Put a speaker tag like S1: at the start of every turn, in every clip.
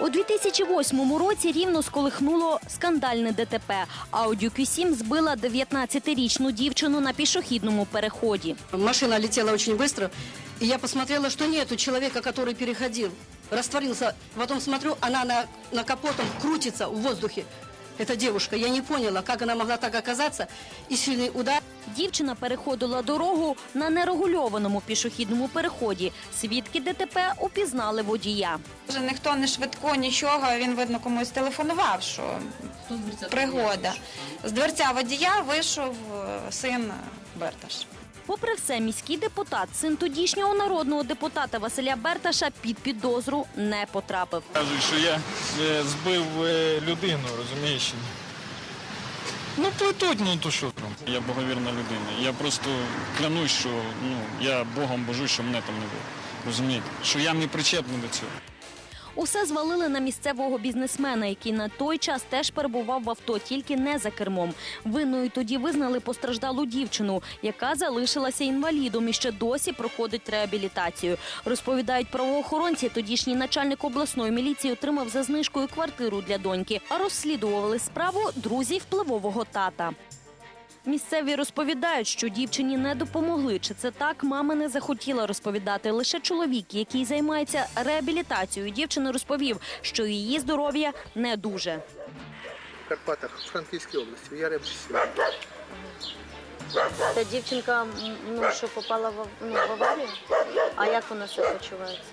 S1: У 2008 році Рівно сколихнуло скандальне ДТП. Audi Q7 збила 19-річну дівчину на пішохідному переході.
S2: Машина летела очень быстро, и я посмотрела, что нету человека, который переходил. Растворился. Потом смотрю, она на капотом крутится в воздухе. Эта девушка. Я не поняла, как она могла так оказаться. И сильный удар.
S1: Дівчина переходила дорогу на нерегульованому пішохідному переході. Свідки ДТП упізнали водія.
S3: Ніхто не швидко, нічого, він, видно, комусь телефонував, що пригода. З дверця водія вийшов син Берташ.
S1: Попри все, міський депутат, син тодішнього народного депутата Василя Берташа, під підозру не потрапив.
S4: Кажуть, що я збив людину, розумієш? Ну, плетуть, ну то що там. Я боговірна людина. Я просто клянусь, що я Богом божусь, що мене там не було. Розумієте? Що я не причетний до цього.
S1: Усе звалили на місцевого бізнесмена, який на той час теж перебував в авто, тільки не за кермом. Винною тоді визнали постраждалу дівчину, яка залишилася інвалідом і ще досі проходить реабілітацію. Розповідають правоохоронці, тодішній начальник обласної міліції отримав за знижкою квартиру для доньки, а розслідували справу друзі впливового тата. Місцеві розповідають, що дівчині не допомогли. Чи це так, мама не захотіла розповідати. Лише чоловік, який займається реабілітацією дівчини, розповів, що її здоров'я не дуже.
S5: В Карпатах, в Франківській області, в Яремчі.
S1: Та дівчинка, що попала в аварію? А як вона себе почувається?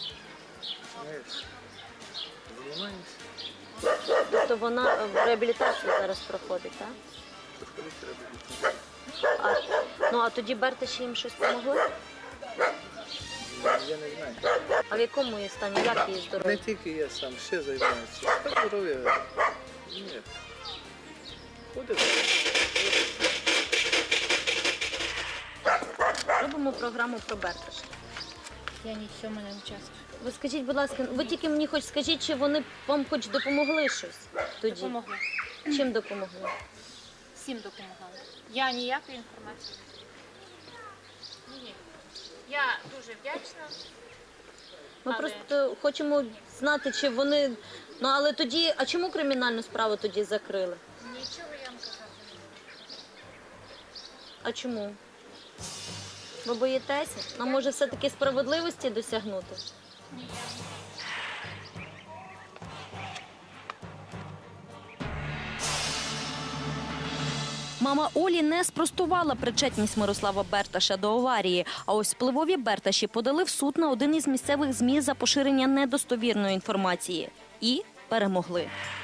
S1: Тобто вона в реабілітацію зараз проходить, так? А тоді Берташі їм щось допомогли?
S5: Я не знаю.
S1: А в якому її стані? Як її здоров'я?
S5: Не тільки я сам, ще займаюся. Здоров'я. Ні. Ходить.
S1: Робимо програму про Берташа.
S6: Я ні в цьому не участвую.
S1: Ви скажіть, будь ласка, ви тільки мені хоч скажіть, чи вони вам хоч допомогли щось тоді?
S6: Допомогли.
S1: Чим допомогли?
S6: Всім допомагали. Я ніякої інформації. Ні. Я дуже вдячна.
S1: Ми
S6: Але-
S1: просто хочемо знати, чи вони... але тоді... А чому кримінальну справу тоді закрили?
S6: Нічого я вам казати не можу.
S1: А чому? Ви боїтеся? Нам може все-таки справедливості досягнути? Мама Олі не спростувала причетність Мирослава Берташа до аварії. А ось впливові Берташі подали в суд на один із місцевих ЗМІ за поширення недостовірної інформації. І перемогли.